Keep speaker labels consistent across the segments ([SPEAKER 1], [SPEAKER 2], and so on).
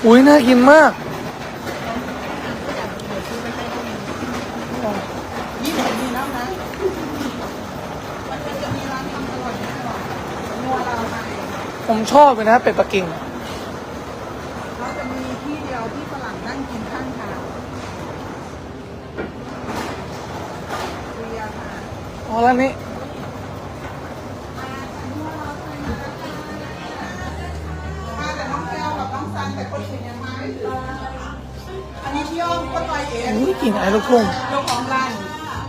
[SPEAKER 1] อุ้ยน่ากินมาก
[SPEAKER 2] นี่ผมมีแล้วนะมันจะมีร้านทำอร่อยไม่อร่อยนัวเราไทย
[SPEAKER 1] ผมชอบเลยนะเป็ดปักกิ่ง
[SPEAKER 2] เขาจะมีที่เดียวที่ฝรั่งนั่งกินข้างทางเรียค่ะ
[SPEAKER 1] อ๋อแล้วนี้
[SPEAKER 2] มาแต่น้องแก้วกับน้องซันแต่คนอื่นยังมาไม่ถึงอันนี้พี่อ้อมก็ไปเอง
[SPEAKER 1] อุ้ยกลิ่นไอ้ลูกทุ่ง
[SPEAKER 2] เจ้าของร้าน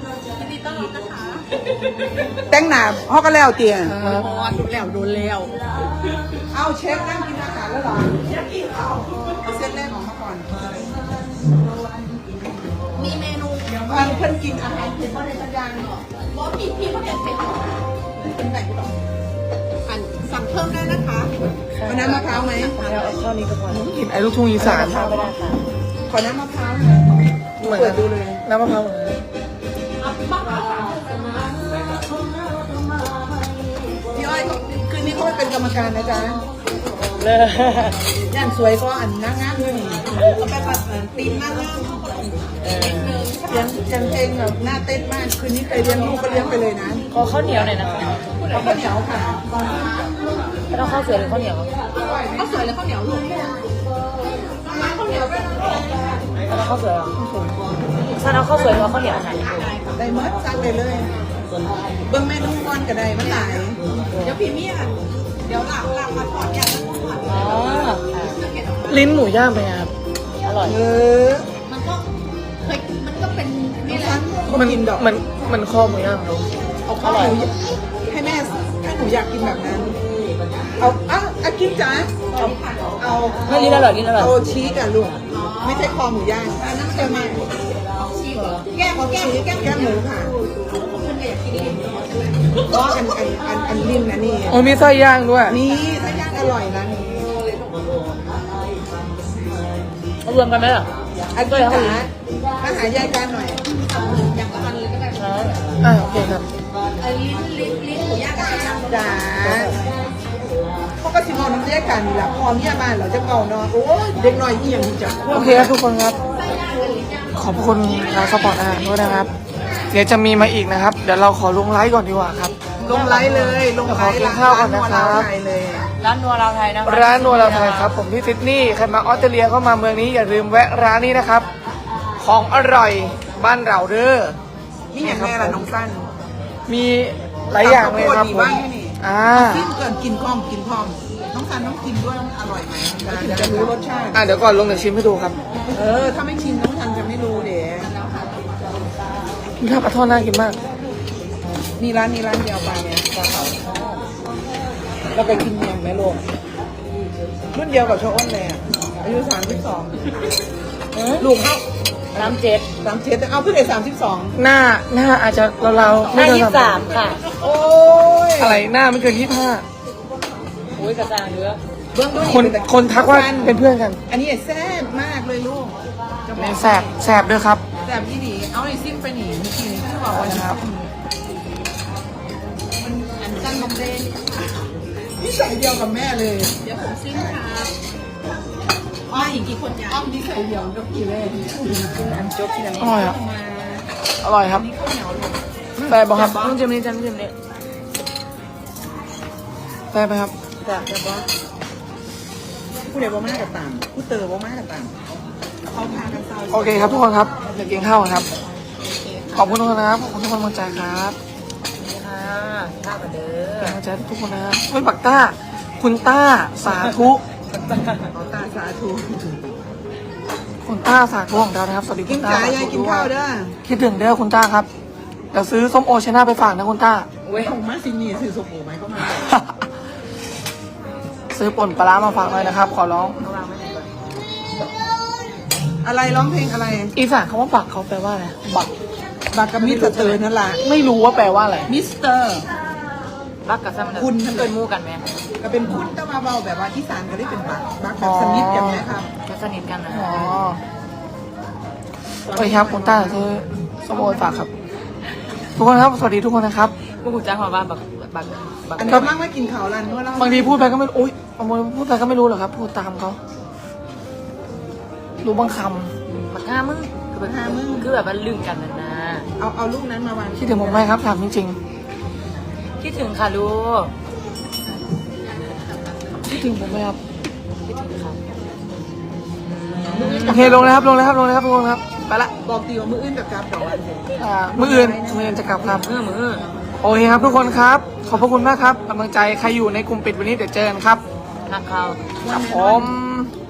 [SPEAKER 2] แต่งหนาพ่อก็แล้วเตียน
[SPEAKER 1] ครับ
[SPEAKER 2] พอดูแล้วโดนแล้วเอาเชฟนั่งกินอาหารแล้วเหรอเอาเส้นแรกออกมาก่อน
[SPEAKER 3] มีเมนู
[SPEAKER 2] เพื่อนกินอาหารเผ็ดเพราะในสัญญาณ
[SPEAKER 3] บอกพี่เขาจะเป็น
[SPEAKER 2] เป็นไหนก็ต้อง
[SPEAKER 3] อันสั่งเพิ่มได้นะคะ
[SPEAKER 2] เอาน้ำมะพร้าวไหม
[SPEAKER 1] เอาเท่านี้ก็พอกลิ่นไอ้ลูกทุ่งอีสาน
[SPEAKER 2] ขอน้ำมะพร้าวหน่อย
[SPEAKER 1] เหมือน
[SPEAKER 2] เปิดดูเลย
[SPEAKER 1] น้ำมะพร้าวเหมือนกัน
[SPEAKER 2] พี่อ้อยเขาคืนนี้เขาไปเป็นกรรมการนะจ๊ะ
[SPEAKER 1] เลย
[SPEAKER 2] ย่านสวยก็อันนั่งงานด้วยนี่
[SPEAKER 3] เขาไปปัดตีนมากนะ
[SPEAKER 2] เสียงเพลงแบบน่าเต้นมากคืนนี้เคยเลี้ยงลูกก็เลี้ยงไปเลยนะ
[SPEAKER 1] ขอข้าวเหนียวหน่อยนะคะ
[SPEAKER 2] เอาข้าวเหนียวค่ะ
[SPEAKER 1] ไม่ต้องข้าวสวยหรือข้าวเหนียว
[SPEAKER 3] ข้าวสวยแล้วข้าวเหนียวลูกข้าวเหนียวด้วย
[SPEAKER 1] ไม่ต้องข้าวสวยหรอฉันเอาข้าวสวยหรือข้าวเหนียวไหน
[SPEAKER 2] ได้เมดสั่งเลยเลยเบิ้งเมนูก่อนก็ได้มันหลาย
[SPEAKER 3] เดี๋ยวพี่เมียเดี๋ยวหลังมาถอดอย่างนั้นถอด
[SPEAKER 1] อ๋อลิ้นหมูย่างไปครับอร่อย
[SPEAKER 3] มันก็เคยมันก็เป็นนี่แหละ
[SPEAKER 1] มัน
[SPEAKER 2] กินดอก
[SPEAKER 1] มันคอหมูย่างครับ
[SPEAKER 2] เอาข้าวหมูให้แม่ให้หนูอยากกินแบบนั้น เอากินจ้าเอา
[SPEAKER 1] ไม่ลิ้นอร่อยลิ้นอร่อย
[SPEAKER 2] เอาชีสอ่ะลูกไม่ใช่คอหมูย่างอันนั้นจะมา
[SPEAKER 3] ชีสเหรอแก้มแก้มแก้ม
[SPEAKER 2] แก้มหมูค่ะก็อันริมนะนี่
[SPEAKER 1] โอ้มีไส้ย่างด้วย
[SPEAKER 2] นี่ถ้าย่างอร่อยนะนี่
[SPEAKER 1] เอารวมกันไหมล่ะ
[SPEAKER 2] อันนี้จ๋ามาหายายกันหน่อย
[SPEAKER 3] อย่างละอันเลยก็ได้
[SPEAKER 1] โอเคครับ
[SPEAKER 3] ลิ้นหมูย่างกับย่าง
[SPEAKER 2] จ๋าเขาก็สิมองน้ำเรียกกันนี่แหละพอเมียมาเราจะเก่าเนาะโอ้ยเด็กหน่อยอีหยังจะ
[SPEAKER 1] โอเคครับทุกคนครับ ขอบคุณร้านสปอร์ตอาหารด้วยนะครับ เดี๋ยวจะมีมาอีกนะครับ เดี๋ยวเราขอลงไลฟ์ก่อนดีกว่าครับ
[SPEAKER 2] ลงไลฟ์เลยลงไลฟ์
[SPEAKER 1] เดี๋ยวขอกินข้าวก่อนนะครับ
[SPEAKER 2] ไลฟ์เลย
[SPEAKER 4] ร้านนัวลาวไทยนะคะ
[SPEAKER 1] ร้านนัวลาวไทยครับ ผมที่ซิดนีย์ใครมาออสเตรเลียเข้ามาเมืองนี้อย่าลืมแวะร้านนี้นะครับ ของอร่อยบ้านเราเด้อ
[SPEAKER 2] นี่อย่างแม่ล่ะน้องสั้น
[SPEAKER 1] มีหลายอย่างเลยครับ
[SPEAKER 2] ตำข้าวโพดดี
[SPEAKER 1] ผม
[SPEAKER 2] บ้างแค่นี้ กินเกินกินพร้อมกินพร้อมน้องซันต้องกินด้วยมันอร่อยไหมถึงจะรู้รสชาติ
[SPEAKER 1] เดี๋ยวก่อนลงเดี๋ยวชิมให้ดูครับ
[SPEAKER 2] ถ้าไม่ชิมน้องซันจะไม่รู้เดี๋ยว
[SPEAKER 1] มีข้าวปลาทอดน่ากินมาก
[SPEAKER 2] มีร้านนี้ร้านเดียวไปเนี่ยปลาเผาเราไปกินเมียงแม่โลกรุ่นเดียวกับโชอ้นเลยอ่ะอายุ32ลูกเขา
[SPEAKER 4] 37
[SPEAKER 2] 37เอาเพิ่งได้32
[SPEAKER 1] หน้าอาจจะเราๆไม่เกิน
[SPEAKER 4] 23ค่ะ
[SPEAKER 2] โอ้ย
[SPEAKER 1] อะไรหน้าไม่เกิน25
[SPEAKER 4] อุ้ยกระจางเยอะ
[SPEAKER 2] เบื้องต้น
[SPEAKER 1] คนทักว่าเป็นเพื่อนกัน
[SPEAKER 2] อันนี้แซ่บมากเลยลูกจะบอก
[SPEAKER 1] แสบด้วยครับ
[SPEAKER 2] แซ่บที่ดีเอาไอ้ซิมไปหนีเมื่อกี้นี้ที่บอกว่านะครับ
[SPEAKER 3] อันจันบอมเบย์
[SPEAKER 2] นิสัยเดียวกับแม่เลย
[SPEAKER 3] เดี๋ยวผมซิมครับอ้ออีกกี่คนยา
[SPEAKER 2] อ้อมนิสัยเดียวกับกี่แม่อันจบที่ไหน
[SPEAKER 1] อร่อยอ่ะ อร่อยครับแปลบอกครับ
[SPEAKER 4] น้ำจิ้มนี่น้ำจิ้มนี่
[SPEAKER 1] แปลไปครับ
[SPEAKER 2] จ้ะแต่ว่าผู้เดียวบ่มากกับต่างผู้เตอบ่มากกับต่างเขาพากันเศร้า
[SPEAKER 1] โอเคครับทุกคนครับเดี๋ยวกินข้าวกันครับ ขอบคุณทุกคนนะครับ ขอบคุณทุกคนกำลังใจครับ
[SPEAKER 4] นี่ค่ะข้าวกันเด้
[SPEAKER 1] เป็น
[SPEAKER 4] อก
[SPEAKER 1] ำลังใจให้ทุกคนนะครับเฮ้ยบักต้า คุณต้าสาธุ
[SPEAKER 2] เขาตาสาธุ
[SPEAKER 1] คุณต้าสาธุของเรานะครับ สวัสดี
[SPEAKER 2] กิ
[SPEAKER 1] คุ
[SPEAKER 2] น
[SPEAKER 1] ณต้า
[SPEAKER 2] จ๋ายายกินข้าวเด้อ
[SPEAKER 1] คิดถึงเด้อคุณต้าครับ เดี๋ยวซื้อส้มโอชนะไปฝากนะคุณต้า
[SPEAKER 2] เว้ยมาสินี่ซื้อสบู่ไหมก็มา
[SPEAKER 1] ซื้อป่นปลาร้ามาฝากหน่อยนะครับ ขอร้อง
[SPEAKER 2] อะไรร้องเพลงอะไร
[SPEAKER 1] อีสานคำว่าบักเขาแปลว่าอะไร บัก
[SPEAKER 2] บักกับมิสเตอร์นั่นแหละ
[SPEAKER 1] ไม่รู้ว่าแปลว่าอะไร
[SPEAKER 2] มิสเตอร์
[SPEAKER 4] รักกับซ้ำ
[SPEAKER 2] คุณ
[SPEAKER 4] เกินหมู่กันไหม
[SPEAKER 2] ก็เป็นคุณแต่มาเบาแบบว่าอีสานก็ได้เป็นบักแบบสนิทอย่างนี้ครับ
[SPEAKER 4] ก็สนิทกันนะ
[SPEAKER 1] อ๋อโอเคครับคุณต้าซื้อส้มโอฝากครับ ทุกคนครับ สวัสดีทุกคนนะครับ
[SPEAKER 4] พวกกูจ้างมาว่าบัก
[SPEAKER 2] อันนี้มั่งไม่กินข้าวร้านนวดแล้ว
[SPEAKER 1] บางทีพูดไปก็ไม่รู้อุ๊ยบางทีพูดไปก็ไม่รู้หรอกครับ พูดตามเขารู้บางค
[SPEAKER 4] บักห้ามึงคือบักห้ามึงคือแบบว่าลืมกันนะนะ
[SPEAKER 2] เอาลูกนั้นมาวาง
[SPEAKER 1] ำคิดถึงผมไหมครับถามจริง
[SPEAKER 4] คิดถึงค่ะลูก
[SPEAKER 1] ๆคิดถึงผมไหมครับ
[SPEAKER 4] คิดถึงค่ะ
[SPEAKER 1] โอเคลงเลยครับลงเลยครับลงเลยครับทุกคนครับไปละ
[SPEAKER 2] บอกตีว่ามืออื่นกับกราฟดอกอันเดียว
[SPEAKER 1] มื้ออื่นจะกลับครับ
[SPEAKER 4] มือ
[SPEAKER 1] โอเคครับทุกคนครับ ขอบพระคุณมากครับกำลังใจใครอยู่ในกลุ่มปิดวันนี้เดี๋ยวเจอกันครับ
[SPEAKER 4] นักเขา
[SPEAKER 1] ครับผม